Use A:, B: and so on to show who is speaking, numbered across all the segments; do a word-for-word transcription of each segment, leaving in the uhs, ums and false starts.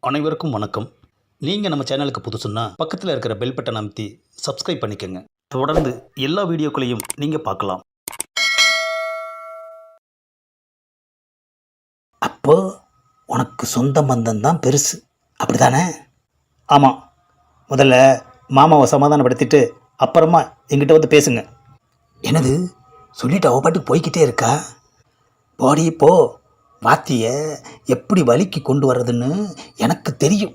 A: அனைவருக்கும் வணக்கம். நீங்கள் நம்ம சேனலுக்கு புதுசுன்னா பக்கத்தில் இருக்கிற பெல் பட்டன் அமைத்தி சப்ஸ்கிரைப் பண்ணிக்கோங்க. தொடர்ந்து எல்லா வீடியோக்களையும் நீங்கள் பார்க்கலாம்.
B: அப்போ உனக்கு சொந்த பந்தம் தான் பெருசு, அப்படிதானே? ஆமாம். முதல்ல மாமாவை சமாதானப்படுத்திட்டு அப்புறமா எங்கிட்ட வந்து பேசுங்க. என்னது சொல்லிட்டு அவ பாட்டுக்கு போய்கிட்டே இருக்கா? போடி போ. வாத்தியை எப்படி வலிக்கு கொண்டு வர்றதுன்னு எனக்கு தெரியும்.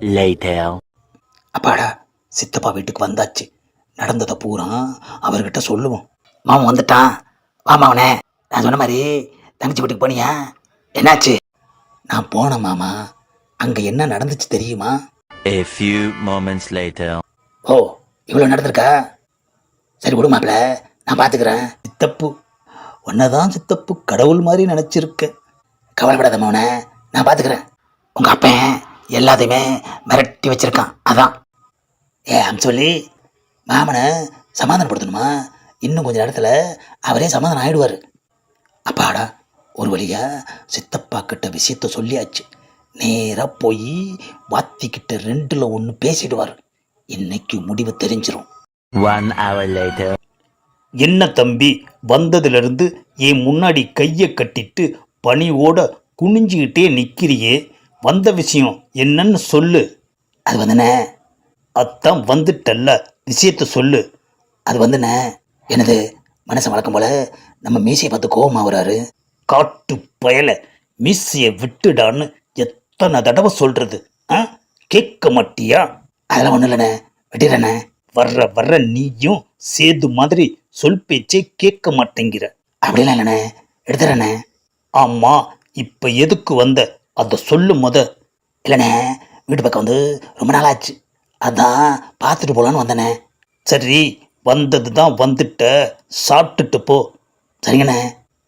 B: அப்பாடா, சித்தப்பா வீட்டுக்கு வந்தாச்சு. நடந்ததை பூரா அவர்கிட்ட சொல்லுவோம். மாமன் வந்துட்டான். மாமாவனே, நான் சொன்ன மாதிரி தங்கச்சி வீட்டுக்கு போனியா? என்னாச்சு? நான் போனேன் மாமா. அங்கே என்ன நடந்துச்சு தெரியுமா?
C: A few moments later.
B: ஓ, இவ்வளோ நடந்திருக்கா? சரி விடு மாப்பிள்ள, நான் பார்த்துக்கிறேன். சித்தப்பு உன்னதான் சித்தப்பு கடவுள் மாதிரி நினச்சிருக்கேன். கவலைப்படாத மவனே, நான் பார்த்துக்கிறேன். உங்கள் அப்பன் எல்லாத்தையுமே மிரட்டி வச்சிருக்கான். அதான் ஏ அம் சொல்லி மாமனை சமாதானப்படுத்தணுமா? இன்னும் கொஞ்சம் நேரத்தில் அவரே சமாதானம் ஆகிடுவார். அப்பாடா, ஒரு வழியாக சித்தப்பா கிட்ட விஷயத்த சொல்லியாச்சு. நேராக போய் வாத்திக்கிட்ட ரெண்டில் ஒன்று பேசிடுவார். இன்னைக்கு முடிவு தெரிஞ்சிடும்.
C: One hour later.
A: என்ன தம்பி, வந்ததுலேருந்து என் முன்னாடி கையை கட்டிட்டு பணியோட குனிஞ்சிக்கிட்டே நிற்கிறியே, வந்த விஷயம் என்னன்னு சொல்லு.
B: அது வந்துண்ணே.
A: அதான் வந்துட்டல்ல, விஷயத்த சொல்லு.
B: அது வந்துண்ணே, எனது மனசை வழக்கம் போல் நம்ம மீசையை பார்த்து கோபமாக வராரு.
A: காட்டு பயலை, மீசையை விட்டுடான்னு எத்தனை தடவை சொல்கிறது? ஆ, கேட்க மாட்டியா?
B: அதெல்லாம் ஒன்றும் இல்லைண்ணே, வெட்டிடுறேண்ணே.
A: வர்ற வர்ற நீயும் சேது மாதிரி சொல் பேச்சே கேட்க மாட்டேங்கிற.
B: அப்படிலாம் இல்லைண்ணே, எடுத்துறேண்ணே.
A: ஆமாம், இப்போ எதுக்கு வந்த அதை சொல்லு முத.
B: இல்லைண்ணே, வீட்டு பக்கம் வந்து ரொம்ப நாள் ஆச்சு, அதான் பார்த்துட்டு போகலான்னு வந்தேண்ணே.
A: சரி, வந்தது தான் வந்துட்ட, சாப்பிட்டுட்டு போ.
B: சரிங்கண்ணே.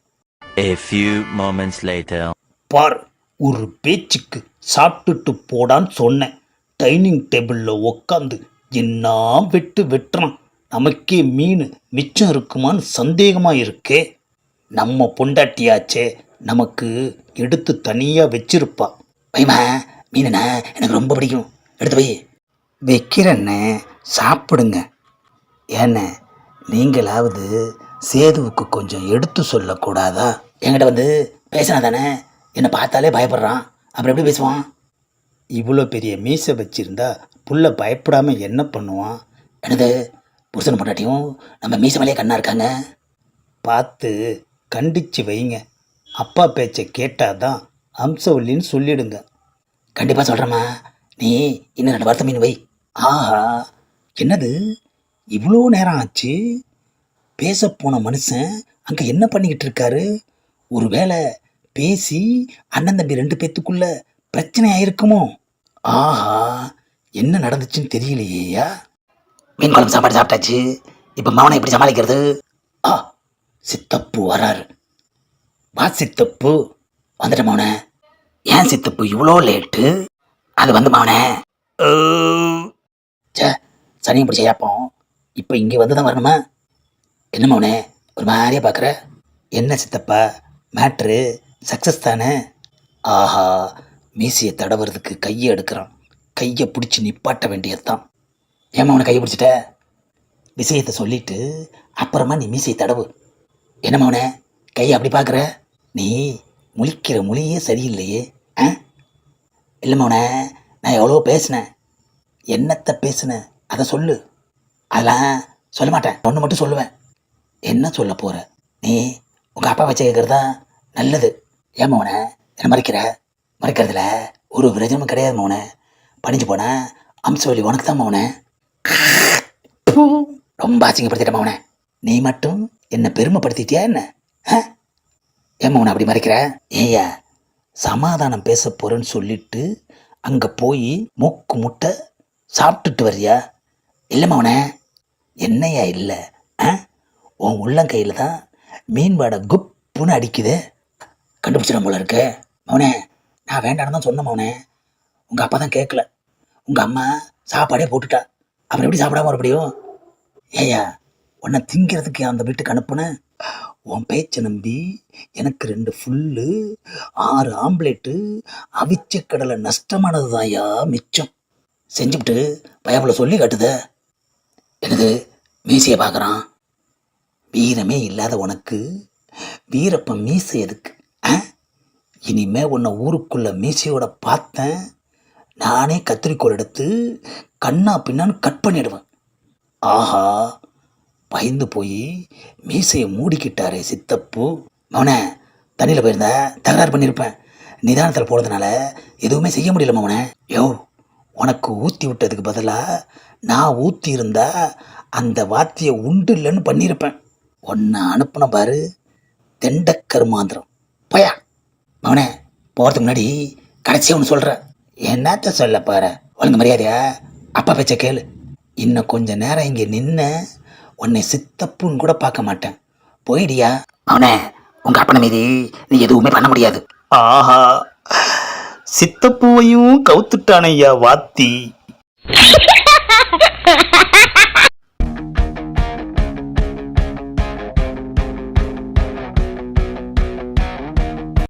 C: A few moments later.
A: பார், ஒரு பேச்சுக்கு சாப்பிட்டுட்டு போடான்னு சொன்னேன். டைனிங் டேபிளில் உக்காந்து என்ன வெட்டு வெட்டுறான். நமக்கே மீன் மிச்சம் இருக்குமான்னு சந்தேகமாக இருக்கே. நம்ம பொண்டாட்டியாச்சே, நமக்கு எடுத்து தனியாக வச்சிருப்பா.
B: வைமா, மீனுண்ணே எனக்கு ரொம்ப பிடிக்கும், எடுத்து போய் வைக்கிறேண்ணே. சாப்பிடுங்க. ஏண்ணே, நீங்களாவது சேதுவுக்கு கொஞ்சம் எடுத்து சொல்லக்கூடாதா? என்கிட்ட வந்து பேசினா தானே, என்னை பார்த்தாலே பயப்படுறான், அப்புறம் எப்படி பேசுவான்?
A: இவ்வளோ பெரிய மீசை வச்சிருந்தா புள்ள பயப்படாமல் என்ன பண்ணுவான்?
B: எனது புருஷன் பொண்டாட்டியும் நம்ம மீசை மேலேயே கண்ணா இருக்காங்க.
A: பார்த்து கண்டிச்சு வைங்க. அப்பா பேச்சை கேட்டாதான் அம்சவல்லின்னு சொல்லிடுங்க.
B: கண்டிப்பாக சொல்கிறேம்மா, நீ இன்னும் ரெண்டு வாரத்தை மீன் வை.
A: ஆஹா, என்னது இவ்வளோ நேரம் ஆச்சு? பேச போன மனுஷன் அங்கே என்ன பண்ணிக்கிட்டு இருக்காரு? ஒரு வேளை பேசி அண்ணன் தம்பி ரெண்டு பேத்துக்குள்ள பிரச்சனை ஆயிருக்குமோ? ஆஹா, என்ன நடந்துச்சுன்னு தெரியலையா?
B: மீன் குழம்பு சாப்பாடு சாப்பிட்டாச்சு, இப்போ மவனை எப்படி சமாளிக்கிறது?
A: ஆ, சித்தப்பு வராரு. வா சித்தப்பு.
B: வந்துட்ட மவனே. ஏன் சித்தப்பு இவ்வளோ லேட்டு? அது வந்து மவனே, சே சனியை பிடிச்ச ஏப்போம், இப்போ இங்கே வந்து தான் வரணுமா? என்ன மவனே ஒரு மாதிரியாக பார்க்குற?
A: என்ன சித்தப்பா, மேட்ரு சக்ஸஸ் தானே? ஆஹா, மீசியை தடவுறதுக்கு கையை எடுக்கிறான். கையை பிடிச்சி நிப்பாட்ட வேண்டியதுதான்.
B: ஏமா அவனை கையை பிடிச்சிட்ட?
A: விஷயத்தை சொல்லிட்டு அப்புறமா நீ மீசையை தடவு.
B: என்ன மவனே கையை அப்படி பார்க்குற?
A: நீ முழிக்கிற மொழியே சரியில்லையே.
B: ஆ இல்லை மவனே, நான் எவ்வளோ பேசினேன்.
A: என்னத்தை பேசுன அதை சொல்லு.
B: அதெல்லாம் சொல்ல மாட்டேன், ஒன்று மட்டும் சொல்லுவேன்.
A: என்ன சொல்ல போகிற?
B: நீ உங்கள் அப்பா வச்சு கேட்குறது தான் நல்லது. ஏன் மவனே என்ன மறைக்கிற? மறைக்கிறதுல ஒரு பிரயோஜனமும் கிடையாது மவனே. பணிஞ்சு போனேன் அம்சவல்லி உனக்கு தான் மவனே. ரொம்ப அசிங்கப்படுத்திட்ட மவனே.
A: நீ மட்டும் என்னை பெருமைப்படுத்திட்டியா என்ன?
B: ஏன் மவனை அப்படி மறைக்கிற?
A: ஏய்யா, சமாதானம் பேச போகிறேன்னு சொல்லிட்டு அங்கே போய் மூக்கு முட்டை சாப்பிட்டுட்டு வர்றியா?
B: இல்லை மவனே.
A: என்னையா இல்லை? ஆ, உன் உள்ளங்கையில் தான் மீன் வாடை குப்புன்னு அடிக்குது.
B: கண்டுபிடிச்சிடும் போல இருக்கு மவனே. நான் வேண்டான்னு தான் சொன்னேன் மவனே. உங்கள் அப்பா தான் கேட்கல. உங்கள் அம்மா சாப்பாடே போட்டுட்டா, அப்புறம் எப்படி சாப்பிடாம மறுபடியும்?
A: ஏய்யா, உன்னை திங்கிறதுக்கு அந்த வீட்டுக்கு அனுப்புனேன். உன் பேச்சை நம்பி எனக்கு ரெண்டு ஃபுல்லு ஆறு ஆம்லேட்டு அவிச்ச கடலை நஷ்டமானது தான்யா மிச்சம்.
B: செஞ்சுவிட்டு பயப்புல சொல்லி காட்டுத. எனக்கு மீசையை பார்க்குறான்.
A: வீரமே இல்லாத உனக்கு வீரப்பன் மீசை எதுக்கு? ஆ? இனிமே உன்னை ஊருக்குள்ள மீசையோட பார்த்தேன், நானே கத்திரிக்கோல் எடுத்து கண்ணா பின்னான்னு கட் பண்ணிடுவேன். ஆஹா, பயந்து போய் மீசையை மூடிக்கிட்டாரே சித்தப்பு.
B: மவனே, தண்ணியில் போயிருந்தா தகராறு பண்ணியிருப்பேன். நிதானத்தில் போகிறதுனால எதுவுமே செய்ய முடியல மவனே.
A: யோ, உனக்கு ஊற்றி விட்டதுக்கு பதிலாக நான் ஊற்றி இருந்தா அந்த வாத்தியை உண்டு இல்லைன்னு பண்ணியிருப்பேன். உன்னை அனுப்புன பாரு தெண்டக்கருமாந்திரம்.
B: போயா மவனே, போகிறதுக்கு முன்னாடி கடைசியாக ஒன்று சொல்கிறேன்.
A: என்னத்த சொல்ல பாரு.
B: ஒழுங்கு மரியாதையா அப்பா பேச்ச கேளு.
A: இன்னும் கொஞ்ச நேரம் இங்கே நின்ன உன்னை சித்தப்புன்னு கூட பார்க்க மாட்டேன். போயிடியா.
B: அவனே, உங்க அப்பனை மீதி நீ எதுவுமே பண்ண முடியாது.
A: ஆஹா, சித்தப்பூவையும் கவுத்துட்டானையா வாத்தி.